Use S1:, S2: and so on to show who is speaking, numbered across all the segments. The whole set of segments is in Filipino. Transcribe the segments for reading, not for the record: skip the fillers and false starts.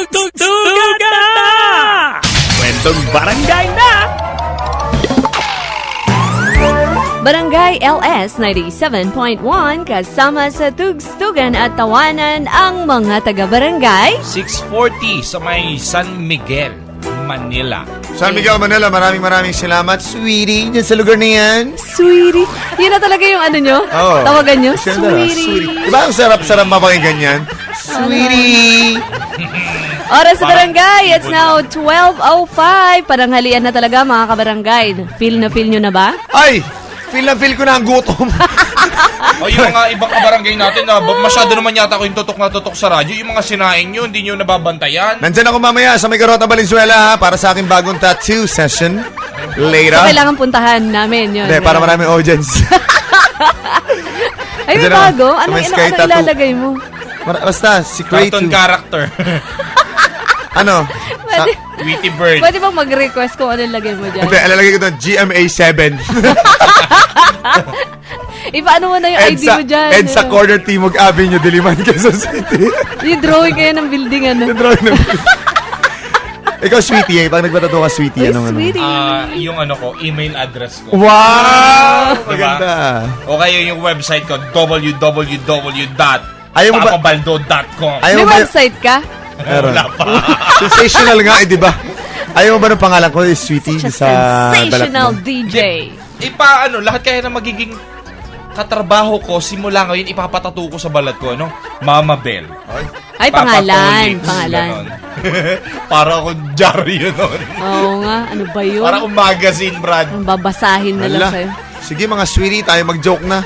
S1: Tugtugan na! Kwentong barangay na!
S2: Barangay LS 97.1 kasama sa tugstugan at tawanan ang mga taga-barangay.
S3: 640 sa may San Miguel, Manila.
S4: San Miguel, Manila, maraming salamat, sweetie, dyan sa lugar na yan.
S2: Sweetie. Yun na talaga yung ano nyo?
S4: Oo.
S2: Tawagan nyo?
S4: Sweetie.
S2: Sweetie.
S4: Diba ang sarap-sarap mapakinggan yan? Sweetie.
S2: Oras sa barangay, it's now 12:05. Paranghalian na talaga mga kabarangay. Feel nyo na ba?
S4: Ay! Feel ko na ang gutom.
S3: O yung mga ibang kabarangay natin na masyado naman yata ako yung tutok na tutok sa radyo. Yung mga sinaing nyo, hindi nyo nababantayan.
S4: Nandyan ako mamaya sa may Garota Valenzuela ha, para sa aking bagong tattoo session. Later.
S2: So, kailangan puntahan namin yun.
S4: Hindi, para maraming audience.
S2: Ay, may
S4: Nandyan ako,
S2: bago?
S4: sa
S2: Ano
S4: may sky tattoo.
S2: ilalagay mo?
S4: Basta, si
S3: Cartoon
S4: Creative.
S3: character.
S4: Ano?
S2: Pwede,
S3: Tweety Bird.
S2: pwede bang mag-request kung ano lagay mo dyan?
S4: Hindi, alalagay ko doon, GMA7.
S2: Ipaano mo na yung ID mo dyan?
S4: Sa corner Timog Avenue, Diliman, Quezon City.
S2: Yung drawing kayo ng building, ano?
S4: Ikaw, sweetie, pag nagpatato ka, sweetie,
S2: Uy,
S4: anong ano?
S2: sweetie.
S3: Yung ano ko, email address ko.
S4: Wow!
S3: Diba?
S4: Maganda.
S3: O kaya yung website ko,
S4: Ayaw mo ba-
S3: www.papabaldo.com.
S4: Ayaw
S2: May
S4: mo ba,
S2: website ka?
S4: Meron.
S3: Wala pa.
S4: Sensational nga, di ba? Ayaw mo ba ng pangalan ko, sweetie,
S2: Such
S4: sa
S2: a
S4: balat
S2: sensational
S4: mo?
S2: DJ.
S3: Lahat kaya na magiging katrabaho ko, simula ngayon, ipapatato ko sa balat ko, ano? Mama Bell.
S2: Ay,
S3: Papa
S2: pangalan.
S3: Tolix,
S2: Pangalan.
S3: ganon. Para akong diary yun.
S2: Oo nga, ano ba yun?
S3: Para akong magazine, Brad.
S2: Ang babasahin na lang
S4: Ala.
S2: sa'yo.
S4: Sige, mga sweetie, tayo mag-joke na.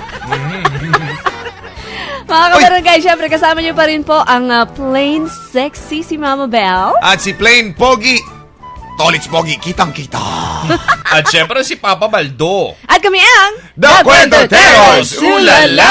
S2: Mga kabarangay, syempre kasama niyo pa rin po ang plain sexy si Mama Belle.
S4: At si Plain Pogi, Tolits Pogi, kitang-kita.
S3: At syempre si Papa Baldo.
S2: At kami ang
S4: The Kwentoteros! Ulala!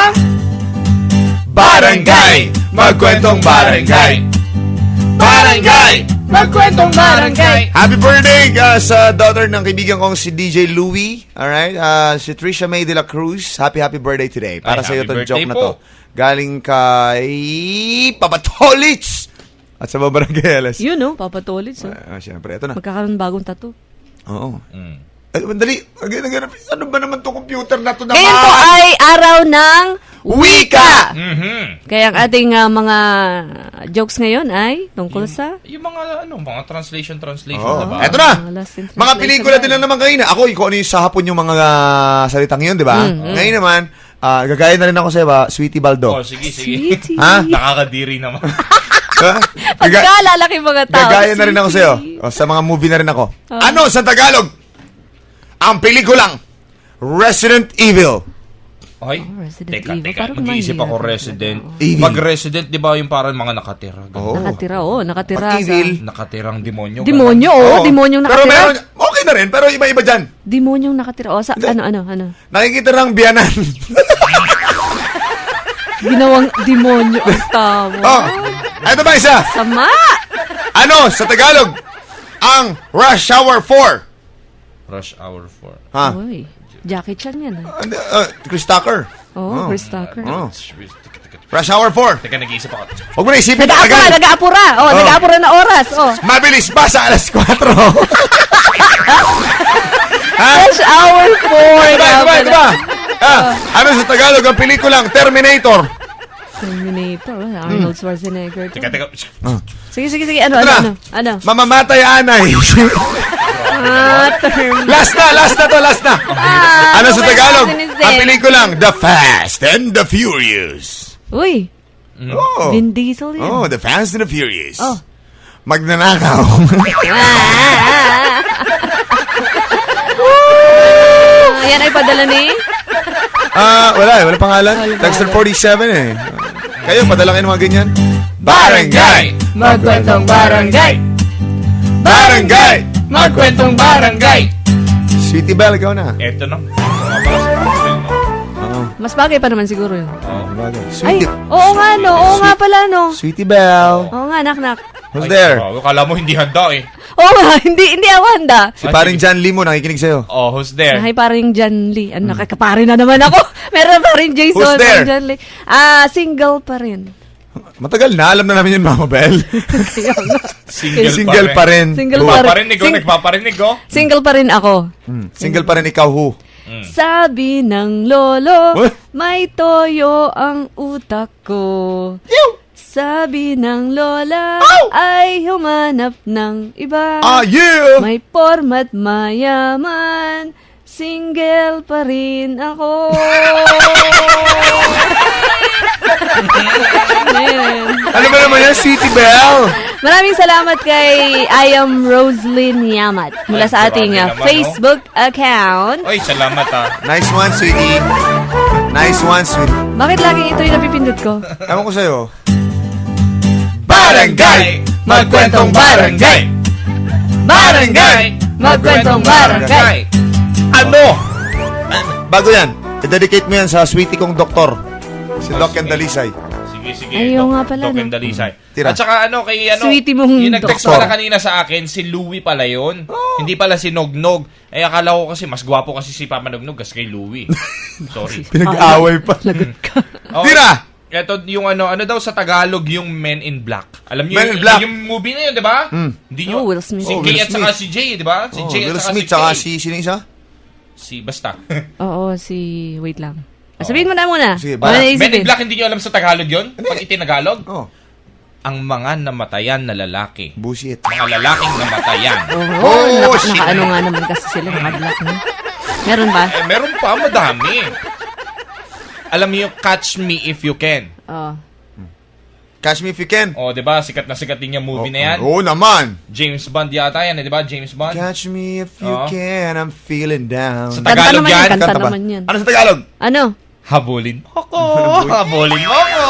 S4: Barangay! Magkwentong barangay! Barangay!
S2: Magkwentong barangay.
S4: Happy birthday sa daughter ng kaibigan kong si DJ Louie. Alright? Si Trisha May de la Cruz. Happy birthday today. Para
S3: Ay,
S4: sa iyo
S3: happy
S4: itong
S3: birthday
S4: joke na
S3: po.
S4: to. Galing kay Papa Tolits! At sa mga barangay alas.
S2: Yun, no? Papatulit. So.
S4: Siyempre, ito na.
S2: Magkakaroon bagong tattoo.
S4: Oo.
S3: Mm.
S4: Mandali. Ano ba naman itong computer na to naman?
S2: Ngayon po ay araw ng
S4: Wika!
S3: Mhm.
S2: Kaya ang ating mga jokes ngayon ay tungkol sa
S3: Yung mga translation,
S4: Oo.
S3: diba?
S4: Eto na!
S2: Lost in
S4: Mga
S2: Translation
S4: pelikula
S2: tayo.
S4: din lang naman kanina. Ako, kung ano yung sa hapon yung mga salitang yun, di ba? Ngayon naman, gagaya na rin ako sa iba, Sweetie Baldo.
S3: Oh, sige.
S2: Sweetie.
S4: Ha?
S3: Nakakadiri naman.
S2: Pagka lalaki mga tao.
S4: Gagaya na rin ako
S2: sweetie.
S4: sa'yo. O, sa mga movie na rin ako. Ano sa Tagalog? Ang pelikulang Resident Evil.
S3: Ay,
S2: Resident
S3: teka.
S2: Evil. Parang
S3: Mag-iisip
S2: mahirap.
S3: ako Resident.
S4: Evil.
S3: Pag Resident, di ba yung parang mga nakatira?
S4: Oo.
S2: Nakatira
S4: Pag
S2: sa...
S4: evil.
S3: Nakatirang demonyo.
S2: Demonyo, oo.
S4: Oo.
S2: Demonyong
S4: Pero
S2: nakatira.
S4: meron, okay na rin, pero iba-iba dyan.
S2: Demonyong nakatira. O, sa, ano.
S4: Nakikita ng biyanan.
S2: Ginawang demonyo ang tao.
S4: Oh, eto ba isa?
S2: Sama!
S4: Ano sa Tagalog? Ang Rush Hour 4.
S3: Rush Hour 4.
S4: Ha?
S2: Uy, Jackie Chan yan.
S4: Chris Tucker.
S2: Oh, Chris Tucker.
S4: Oh. Rush Hour 4.
S3: Teka, nag-iisip ako.
S4: Huwag mo na isipin
S2: Nag-aapura,
S4: agad.
S2: nag-aapura. Oh, nag-aapura na oras. Oh.
S4: Mabilis ba sa alas 4? Ha?
S2: Rush Hour 4.
S4: Diba? Ano sa Tagalog ang pelikulang Terminator?
S2: Terminator. Arnold Schwarzenegger.
S3: Teka.
S2: Sige. Ano?
S4: Mamamatay anay. Last na. Ano sa Tagalog? Ang pelikulang The Fast and the Furious.
S2: Uy,
S4: Oh.
S2: Vin Diesel yan.
S4: Oh, The Fast and the Furious.
S2: Oh.
S4: Magnanakaw.
S2: Yan ay padala ni...
S4: Wala pangalan. Dexter 47 eh. Kayo, padala kayo ng mga ganyan. Barangay!
S2: Magkwentong barangay!
S4: Barangay!
S3: Magkwentong barangay!
S4: Sweetie Belle, ikaw na.
S3: Eto na. Mga pala sa papel, no?
S2: Mas bagay pa naman siguro yun. Ay,
S4: Sweetie,
S2: oo nga no. Oo nga pala no.
S4: Sweetie Belle.
S2: Oo nga, nak.
S4: Who's there?
S3: Kala mo hindi handa eh.
S2: Oo nga, hindi ako handa.
S4: Si paring John Lee mo, nakikinig sa'yo.
S3: Oh, who's there?
S2: Nahay paring John Lee. Ano, nakakapare na naman ako. Meron pa rin Jason.
S4: Who's there?
S2: John Lee. Single pa rin.
S4: Matagal na, alam na namin yun, Mama Bell. Single pa rin.
S2: Single
S4: Who?
S2: pa rin.
S3: Nagpaparinig ko, nagpaparinig ko.
S2: Single pa rin ako.
S4: Single pa rin ikaw, who?
S2: Sabi ng lolo,
S4: What?
S2: may toyo ang utak ko. Sabi ng lola, ay humanap ng iba.
S4: Yeah!
S2: May format mayaman, single pa rin ako. Ayan.
S4: Ano ba naman yan, City Bell?
S2: Maraming salamat kay I am Roslyn Yamat mula sa
S3: Ay,
S2: ating
S3: grabe naman,
S2: Facebook account.
S3: Oy, salamat
S4: Nice one, sweetie. Nice one, sweetie.
S2: Bakit laging ito yung napipindot ko?
S4: Ewan ko sa'yo.
S3: Barangay! Magkwentong barangay! Barangay!
S2: Magkwentong barangay!
S3: Ano?
S4: Bago yan, i-dedicate mo yan sa sweetie kong doktor. Si Doc and Dalisay.
S3: Sige, sige.
S2: Ayaw nga pala,
S3: Doc
S2: no?
S3: and Dalisay.
S4: Tira.
S3: At saka kay
S2: Sweetie mong
S3: yung nag-text
S4: doktor.
S3: pala kanina sa akin, si Louie pala yun. Hindi pala si Nognog. Ay, akala ko kasi, mas gwapo kasi si Papa Nognog kasi kay Louie. Sorry.
S4: Pinag-away pa.
S2: Lagot ka.
S3: Okay.
S4: Tira!
S3: Ito yung ano daw sa Tagalog yung Men in Black. Alam niyo
S4: Men in Black.
S3: yung movie na yun, di ba? Hindi nyo.
S2: Oh, Will Smith.
S3: Si
S4: Oh,
S3: Kay
S4: Will
S3: at saka
S4: Smith.
S3: si Jay, di ba? Si Jay at
S4: Will
S3: saka
S4: Smith,
S3: si
S4: tsaka
S3: Kay.
S4: sino isa?
S3: Si basta.
S2: Oo, wait lang. Sabihin mo na muna.
S4: Sige,
S2: Wala
S4: ba?
S2: na
S3: Men in
S2: isipin.
S3: Black, hindi nyo alam sa Tagalog yun? Pag itinagalog?
S4: Oh,
S3: Ang mga namatayan na lalaki.
S4: bullshit.
S3: Mga lalaking namatayan.
S2: Oo,
S4: shit.
S2: naka-ano nga naman kasi sila, naka-black na. Meron ba?
S3: Eh, meron pa, madami. Alam niyo yung Catch Me If You Can.
S2: Oo.
S4: Catch me if you can.
S3: O, di ba? Sikat na sikat din yung movie na yan.
S4: Oo naman.
S3: James Bond yata yan, di ba? James Bond.
S4: Catch me if you
S3: Oo.
S4: can, I'm feeling down.
S3: Sa
S2: Kanta
S3: Tagalog
S2: naman
S3: yan?
S2: Kanta
S4: Kanta ba?
S2: naman yan.
S4: Ano sa Tagalog?
S2: Ano?
S3: Habulin mo ako. Habulin mo ako.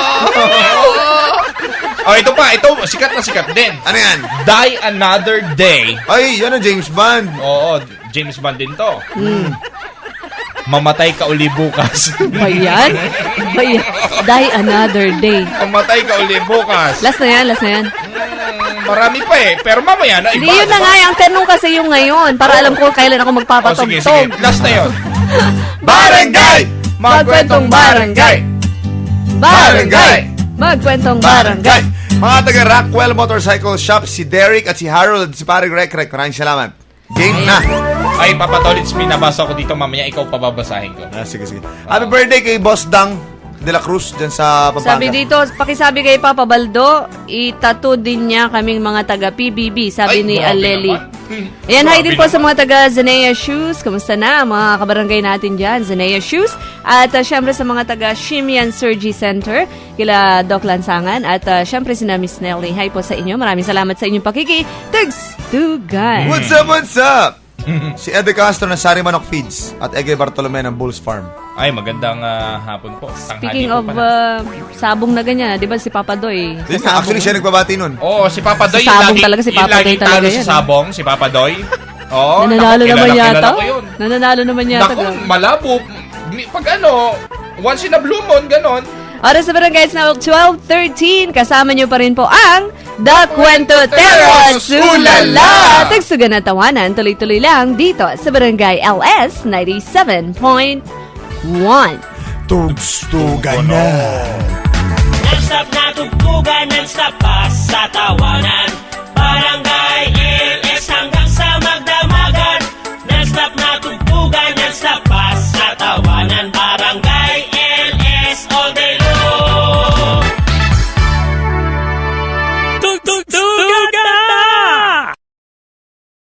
S3: Oh, ito pa. Ito, sikat na sikat din.
S4: Ano yan?
S3: Die Another Day.
S4: Ay, yan ang James Bond.
S3: Oo, James Bond din to. Mamatay ka uli bukas.
S2: Ba yan? Ba yan? Die another day.
S3: Mamatay ka uli bukas.
S2: Last na yan.
S3: Marami pa eh. Pero mamaya na iba.
S2: Hindi yun na nga. Ang tanong kasi yung ngayon. Para alam ko kailan ako
S3: Oh,
S2: magpapatugtog.
S3: sige, sige. Last na yun.
S4: Barangay!
S2: Magkwentong barangay!
S4: Barangay!
S2: Magkwentong barangay!
S4: Mga taga Rockwell Motorcycle Shop, si Derek at si Harold, si Paring Rek. Maraming salamat. Game na.
S3: Ay, Papa Tolits, binabasa ko dito. Mamaya ikaw pababasahin ko.
S4: Sige. Happy birthday kay Boss Dang de la Cruz dyan sa Pampanga.
S2: Sabi dito, pakisabi kay Papa Baldo, itattoo din niya kaming mga taga PBB, sabi
S3: Ay,
S2: ni
S3: grabe
S2: Aleli.
S3: naman.
S2: Ayan, hi din po
S3: Grabe
S2: sa mga taga Zenea Shoes. Kamusta na mga kabarangay natin dyan, Zenea Shoes. At syempre sa mga taga Shimian Surgery Center, kila Doc Lansangan. At syempre si na Miss Nelly. Hi po sa inyo. Maraming salamat sa inyong pakikitugstugan.
S4: What's up? Si Ede Castro ng Sari Manok Feeds at Ege Bartolome ng Bulls Farm.
S3: Ay, magandang hapon po. Tanghali
S2: Speaking
S3: po
S2: of
S3: pala.
S2: sabong na ganyan, di ba si Papa Doy?
S4: Yun nga, actually siya nagbabati nun.
S3: Oo, si Papa Doy.
S2: Sa sabong talaga, si
S3: yung
S2: Papa Doy
S3: laging
S2: talaga
S3: talo
S2: yan,
S3: sa sabong, si Papa Doy. Oo.
S2: Nananalo
S3: naku,
S2: naman
S3: kilala
S2: yata.
S3: ko yun.
S2: Nananalo naman yata.
S3: Naku, malabo. Pag once in a blue moon, ganon.
S2: Oras na barangay, it's now 12:13. Kasama niyo pa rin po ang The Kwentoteros Ulala! Tagsugan at tawanan, tuloy-tuloy lang dito sa Barangay LS 97.1.
S4: Tugstugan na.
S5: Non-stop na tugtugan, non-stop pa sa tawa.